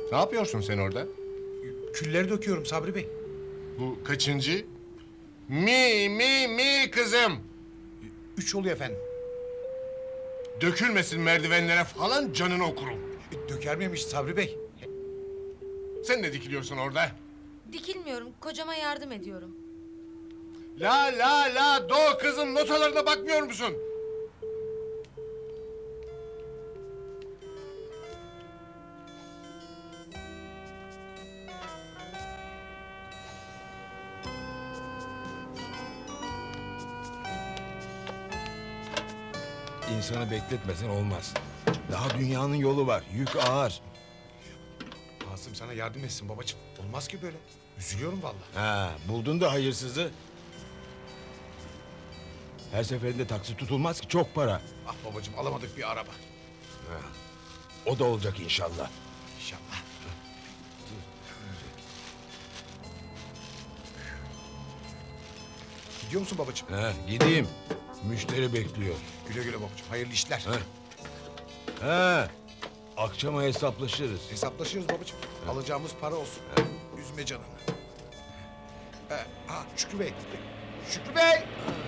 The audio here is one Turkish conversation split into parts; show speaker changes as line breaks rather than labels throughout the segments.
Ne yapıyorsun sen orada?
Külleri döküyorum Sabri Bey.
Bu kaçıncı? Mi kızım.
3 oluyor efendim.
Dökülmesin merdivenlere falan, canını okurum.
Döker miymiş Sabri Bey?
Sen ne dikiliyorsun orada?
Dikilmiyorum, kocama yardım ediyorum.
La do kızım, notalarına bakmıyor musun?
İnsanı bekletmesen olmaz. Daha dünyanın yolu var. Yük ağır.
Asım sana yardım etsin babacığım. Olmaz ki böyle. Üzülüyorum vallahi.
Ha, buldun da hayırsızı. Her seferinde taksi tutulmaz ki, çok para.
Ah babacığım, alamadık bir araba.
O da olacak inşallah.
İnşallah. Gidiyor musun babacığım?
Ha, gideyim. Müşteri bekliyor.
Güle güle babacığım. Hayırlı işler.
Ha. Ha, akşama hesaplaşırız.
Hesaplaşıyoruz babacığım. Alacağımız para olsun. Üzme canını. Şükrü Bey. Şükrü Bey!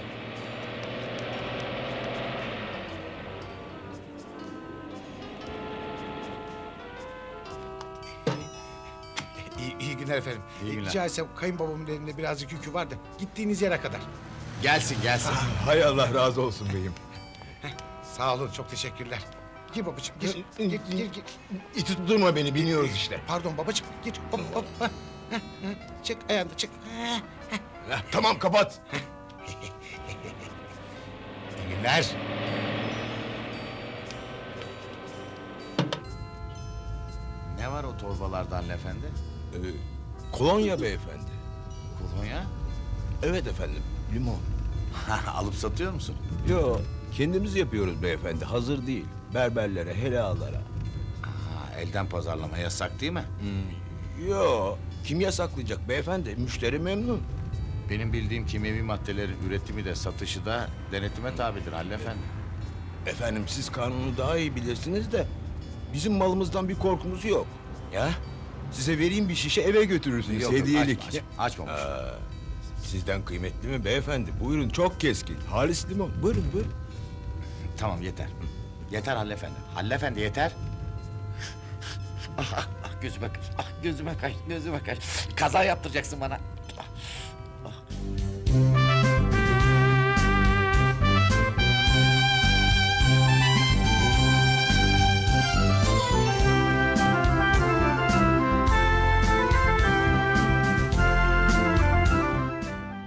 İyi günler efendim.
İyi günler.
Rica etsem kayınbabamın elinde birazcık yükü var da gittiğiniz yere kadar.
Gelsin.
Hay Allah razı olsun beyim.
Sağ olun, çok teşekkürler. Gir babacığım, gir.
İti tutturma beni, biniyoruz işte.
Pardon babacığım, gir. Hop. Çık, ayağını çık.
Ha, tamam, kapat.
İyi günler.
Ne var o torbalarda Halil Efendi?
Kolonya beyefendi.
Kolonya?
Evet efendim, limon.
Alıp satıyor musun?
Yo, kendimiz yapıyoruz beyefendi, hazır değil. Berberlere, helalara.
Elden pazarlama yasak değil mi?
Yo, kim yasaklayacak beyefendi? Müşteri memnun.
Benim bildiğim kimyevi maddelerin üretimi de satışı da denetime tabidir Halil Efendi.
Efendim, siz kanunu daha iyi bilirsiniz de bizim malımızdan bir korkumuz yok. Ya, size vereyim bir şişe, eve götürürsünüz,
Yok,
hediyelik.
açmamış.
Sizden kıymetli mi beyefendi? Buyurun, çok keskin. Halis limon. Buyurun.
Tamam, yeter. Yeter Halil Efendi. Halil Efendi yeter. Gözüme kaç. Kaza yaptıracaksın bana.